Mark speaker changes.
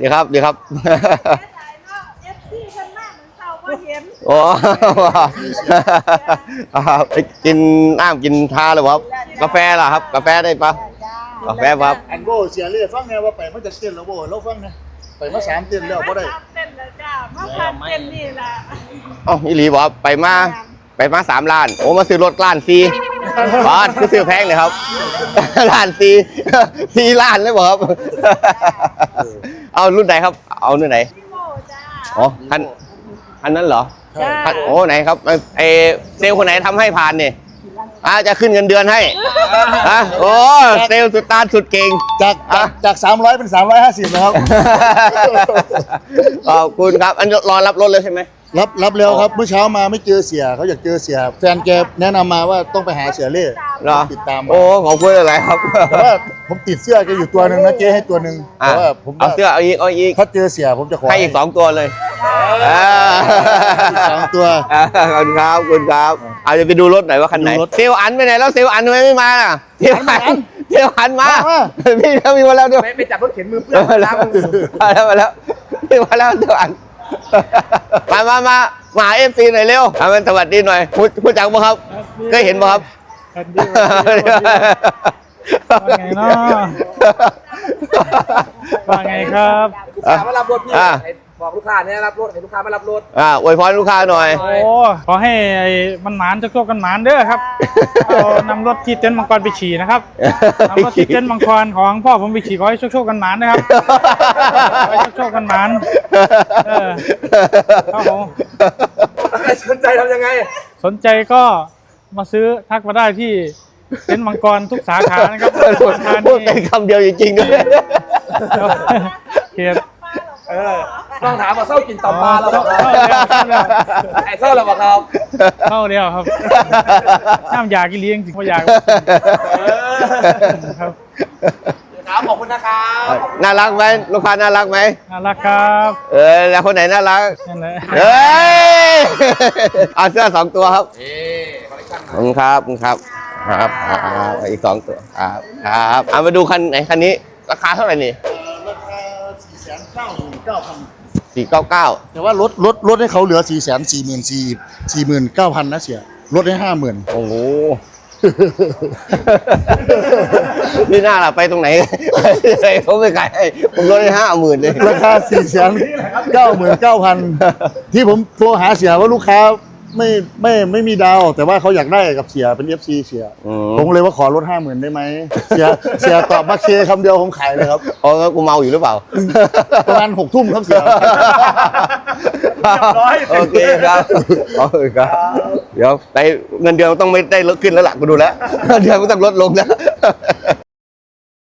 Speaker 1: ดีครับดีครับโอ้กินน้ำกินทาหรือครับกาแฟล่ะครับกาแฟได้ปะกาแฟครับ
Speaker 2: อันโบเสียเรียฟังไงว่าไปมันจะเต้นแล้วโบเราฟังนะไปมา3 เต้นแล้วบ่ได้
Speaker 3: เต้นแล้วจ้ามาพันเต้นนี่แหละ
Speaker 1: อ๋ออีหลีบอกไปมา3 ล้านโอ้มาซื้อรถล้าน4บาทคือซื้อแพงเลยครับล้าน4ล้านเลยบอกครับเอารุ่นไหนครับเอารุ่นไหนอ๋อคันนั้นเหรอโอ้ไหนครับไอเซลล์คนไหนทำให้ผ่านเนี่ยจะขึ้นเงินเดือนให้โอ้เซลล์สุดตาสุดเก่ง
Speaker 2: จาก300เป็น350นะครับ
Speaker 1: ขอบคุณครับอันรอรับรถเลยใช่ไหม
Speaker 2: รับแล้วครับเมื่อเช้ามาไม่เจอเสียเขาอยากเจอเสียแฟนแกแนะนำมาว่าต้องไปหาเสียเล่ติดตาม
Speaker 1: โอ้ขอบคุณอะไรครับ
Speaker 2: แต่ว่าผมติดเสื้อแกอยู่ตัวหนึ่งนะเจ๊ให้ตัวหนึ่งแต่ว่าผม
Speaker 1: เอาเสื้อเอาอีก
Speaker 2: ถ้าเจอเสียผมจะขอ
Speaker 1: ให้อีก2 ตัวเลย
Speaker 2: 2 ตัว
Speaker 1: ขอบคุณครับเอาจะไปดูรถหน่อยว่าคันไหนเซลอันไปไหนแล้วเซลอันทำไมไม่มาล่ะเซลอันมาพี่เขามีมาแล้วด้วย
Speaker 4: ไปจับรถเข็นมือเปื้อน
Speaker 1: มาแล้วมาแล้วเซลอันมาเอฟซีหน่อยเร็วสวัสดีหน่อยพูดจังป่ะครับเคยเห็นป่ะครับ
Speaker 5: ว่าไงเนาะว่าไงครับ
Speaker 4: ลูกค้ามารับรถพี่บอกลูกค้าเนี่ยรับรถให้ลูกค้ามารับรถ
Speaker 1: อวยพรลูกค้าหน่อย
Speaker 5: โอ้ขอให้มันหมานโชคกันหมานเด้อครับเอานำรถที่เต็นท์มังกรไปขี่นะครับนำรถที่เต็นท์มังกรของพ่อผมไปขี่ขอให้โชคกันหมานนะครับขอให้โชคกันหมานครับผม
Speaker 4: สนใจทำยังไง
Speaker 5: สนใจก็มาซื้อทักมาได้ที่เต็นท์มังกรทุกสาขานะครับ
Speaker 1: พูดเป็นคำเดียวจริงๆด้วย
Speaker 5: เกียรติ
Speaker 4: ต้องถามว่าเศร้ากินตับปลาแล้วไอ้เศร้าแล้วครับ
Speaker 5: เศร้าเดียวครับน้ำยากิเลี้ยงจริงเขาอยาก
Speaker 4: ครับขอบคุณนะครับ
Speaker 1: น่ารักไหมลูกค้าน่ารักไหม
Speaker 5: น่ารักครับ
Speaker 1: แล้วคนไหนน่ารัก
Speaker 5: นั่นแหละ
Speaker 1: เอาเสื้อ2 ตัวครับขอบคุณครับอีก2 ตัวครับเอามาดูคันไหนคันนี้ราคาเท่าไหร่นี่499,000
Speaker 2: แต่ว่ารถให้เขาเหลือ449,000นะเสียลดให้50,000
Speaker 1: โอ้โหนี่น่าล่ะไปตรงไหนเขาไม่ขายให้ผมลดให้50,000เลย
Speaker 2: ราคา499,000ที่ผมโทรหาเสียว่าลูกค้าไม่มีดาวแต่ว่าเขาอยากได้กับเสียเป็น FC เสียผมเลยว่าขอลด50,000ได้ไหมเสียตอบมาเคคำเดียวผมขายเลยครับ
Speaker 1: อ๋อกูเมาอยู่หรือเปล่า
Speaker 2: ประมาณ6 ทุ่มครับเสีย
Speaker 1: โอเคครับเดี๋ยวไปเงินเดือนต้องไม่ได้ลดขึ้นแล้วล่ะกูดูแล้วเงินเดือนก็ต้องลดลงแล้ว